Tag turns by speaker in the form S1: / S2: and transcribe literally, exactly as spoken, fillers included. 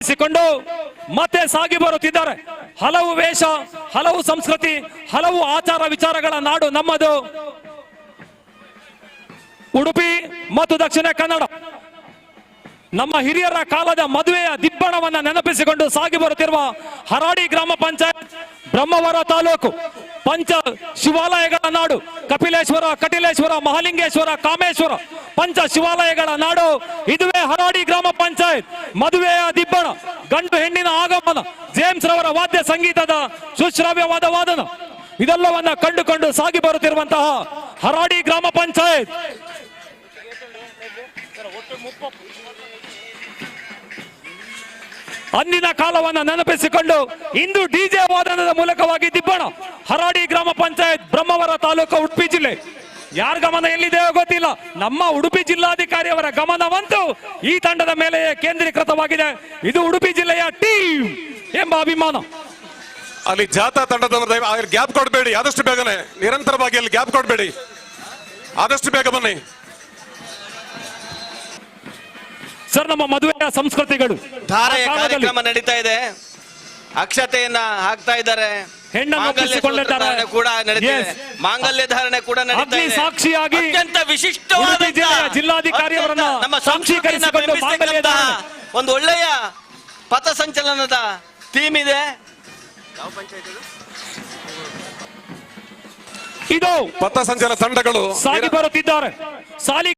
S1: ಸಿಕೊಂಡು ಮತ್ತೆ ಸಾಗಿ ಬರುತ್ತಿದ್ದಾರೆ. ಹಲವು ವೇಷ, ಹಲವು ಸಂಸ್ಕೃತಿ, ಹಲವು ಆಚಾರ ವಿಚಾರಗಳ ನಾಡು ನಮ್ಮದು. ಉಡುಪಿ ಮತ್ತು ದಕ್ಷಿಣ ಕನ್ನಡ ನಮ್ಮ ಹಿರಿಯರ ಕಾಲದ ಮದುವೆಯ ದಿಬ್ಬಣವನ್ನ ನೆನಪಿಸಿಕೊಂಡು ಸಾಗಿ ಬರುತ್ತಿರುವ ಹರಾಡಿ ಗ್ರಾಮ ಪಂಚಾಯತ್, ಬ್ರಹ್ಮವರ ತಾಲೂಕು, ಪಂಚ ಶಿವಾಲಯಗಳ ನಾಡು, ಕಪಿಲೇಶ್ವರ, ಕಟಿಲೇಶ್ವರ, ಮಹಾಲಿಂಗೇಶ್ವರ, ಕಾಮೇಶ್ವರ, ಪಂಚ ಶಿವಾಲಯಗಳ ನಾಡು. ಇದುವೇ ಹರಾಡಿ ಗ್ರಾಮ ಪಂಚಾಯತ್. ಮದುವೆಯ ದಿಬ್ಬಣ, ಗಂಡು ಹೆಣ್ಣಿನ ಆಗಮನ, ಜೇಮ್ಸ್ ರವರ ವಾದ್ಯ ಸಂಗೀತದ ಸುಶ್ರಾವ್ಯವಾದ ವಾದನ, ಇದೆಲ್ಲವನ್ನ ಕಂಡುಕೊಂಡು ಸಾಗಿ ಬರುತ್ತಿರುವಂತಹ ಹರಾಡಿ ಗ್ರಾಮ ಪಂಚಾಯತ್ ಅಂದಿನ ಕಾಲವನ್ನ ನೆನಪಿಸಿಕೊಂಡು ಇಂದು ಡಿಜೆ ವಾದನದ ಮೂಲಕವಾಗಿ ದಿಬ್ಬಣ. ಹರಾಡಿ ಗ್ರಾಮ ಪಂಚಾಯತ್, ಬ್ರಹ್ಮವರ ತಾಲೂಕು, ಉಡುಪಿ ಜಿಲ್ಲೆ. ಯಾರ ಗಮನ ಎಲ್ಲಿದೆಯೋ ಗೊತ್ತಿಲ್ಲ, ನಮ್ಮ ಉಡುಪಿ ಜಿಲ್ಲಾಧಿಕಾರಿಯವರ ಗಮನವಂತೂ ಈ ತಂಡದ ಮೇಲೆ ಕೇಂದ್ರೀಕೃತವಾಗಿದೆ. ಇದು ಉಡುಪಿ ಜಿಲ್ಲೆಯ ಟೀಮ್ ಎಂಬ ಅಭಿಮಾನ.
S2: ಅಲ್ಲಿ ಜಾಥಾ ತಂಡದ ಗ್ಯಾಪ್ ಕೊಡಬೇಡಿ, ಆದಷ್ಟು ಬೇಗನೆ, ನಿರಂತರವಾಗಿ ಅಲ್ಲಿ ಗ್ಯಾಪ್ ಕೊಡಬೇಡಿ, ಆದಷ್ಟು ಬೇಗ ಬನ್ನಿ
S1: ಸರ್. ನಮ್ಮ ಮದುವೆಯ ಸಂಸ್ಕೃತಿಗಳು,
S3: ಧಾರೆಯ ಕಾರ್ಯಕ್ರಮ ನಡೀತಾ ಇದೆ, ಅಕ್ಷತೆಯನ್ನ ಹಾಕ್ತಾ ಇದ್ದಾರೆ,
S1: ಹೆಣ್ಣನ್ನು
S3: ಕೂಡ ನಡೀತಿದೆ, ಮಾಂಗಲ್ಯ ಧಾರಣೆ ಕೂಡ ನಡೀತಾ ಇದೆ.
S1: ಸಾಕ್ಷಿಯಾಗಿ
S3: ಅತ್ಯಂತ ವಿಶಿಷ್ಟವಾದ
S1: ಜಿಲ್ಲಾಧಿಕಾರಿಯವರನ್ನ
S3: ನಮ್ಮ ಸಾಂಸ್ಕೃತಿಕರಿಸಿಕೊಂಡು ಒಂದು ಒಳ್ಳೆಯ ಪಥಸಂಚಲನದ ಥೀಮ್ ಇದೆ.
S1: ಇದು
S2: ಪಥಸಂಚಲನ ತಂಡಗಳು
S1: ಸಾಗಿ ಬರುತ್ತಿದ್ದಾರೆ. ಸಾಲಿ